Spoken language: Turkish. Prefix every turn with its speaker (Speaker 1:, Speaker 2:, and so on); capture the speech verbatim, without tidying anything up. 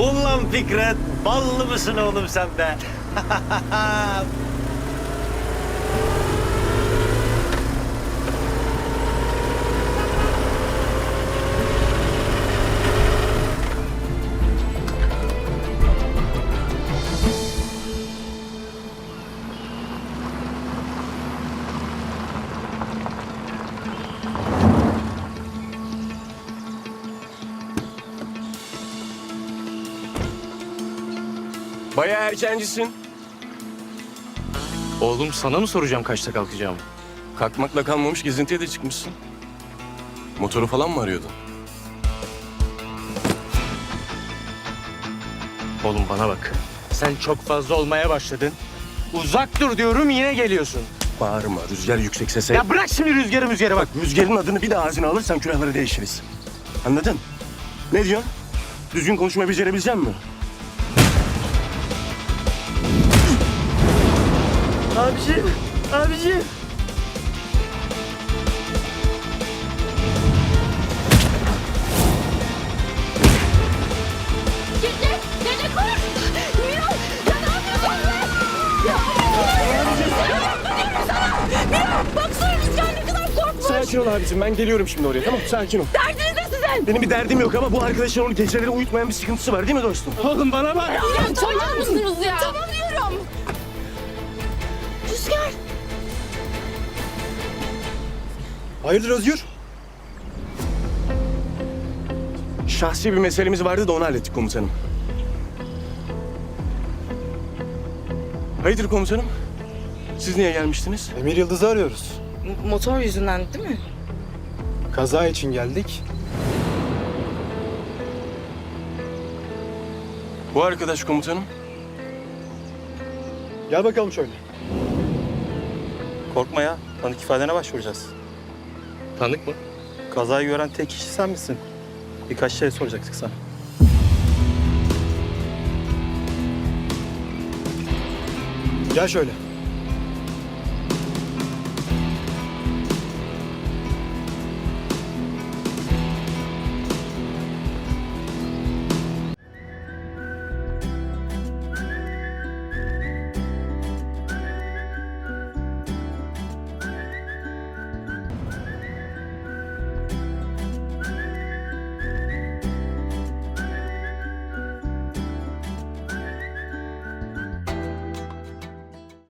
Speaker 1: Ulan Fikret, ballı mısın oğlum sen be?
Speaker 2: Bayağı erkencisin.
Speaker 3: Oğlum sana mı soracağım kaçta kalkacağımı?
Speaker 2: Kalkmakla kalmamış gezintiye de çıkmışsın. Motoru falan mı arıyordun?
Speaker 3: Oğlum bana bak. Sen çok fazla olmaya başladın. Uzak dur diyorum yine geliyorsun.
Speaker 2: Bağırma, rüzgar yüksek sese.
Speaker 3: Ya bırak şimdi rüzgarı rüzgarı bak.
Speaker 2: Rüzgarın adını bir daha ağzına alırsan külahları değişiriz. Anladın? Ne diyorsun? Düzgün konuşma becerebilecek misin?
Speaker 3: Abiciğim, abiciğim.
Speaker 4: Dede, dede koş! Miran, ya ne yapıyorsun be? Ya Miran, baksana rüzgar ne kadar korkmuş.
Speaker 2: Sakin ol abicim, ben geliyorum şimdi oraya, tamam mı? Sakin ol.
Speaker 4: Derdiniz ne sizin?
Speaker 2: Benim bir derdim yok ama bu arkadaşın onu geceleri uyutmayan bir sıkıntısı var değil mi dostum?
Speaker 3: Oğlum bana bak.
Speaker 4: Ya tamam mısınız ya? Tamam diyorum. Rüzgar.
Speaker 5: Hayırdır Özgür?
Speaker 2: Şahsi bir meselemiz vardı da onu hallettik komutanım. Hayırdır komutanım? Siz niye gelmiştiniz?
Speaker 5: Emir Yıldız'ı arıyoruz.
Speaker 6: Motor yüzünden değil mi?
Speaker 5: Kaza için geldik.
Speaker 2: Bu arkadaş komutanım.
Speaker 5: Gel bakalım şöyle.
Speaker 7: Korkma ya. Tanık ifadene başvuracağız.
Speaker 3: Tanık mı?
Speaker 7: Kazayı gören tek kişi sen misin? Birkaç şey soracaktık sana.
Speaker 5: Gel şöyle.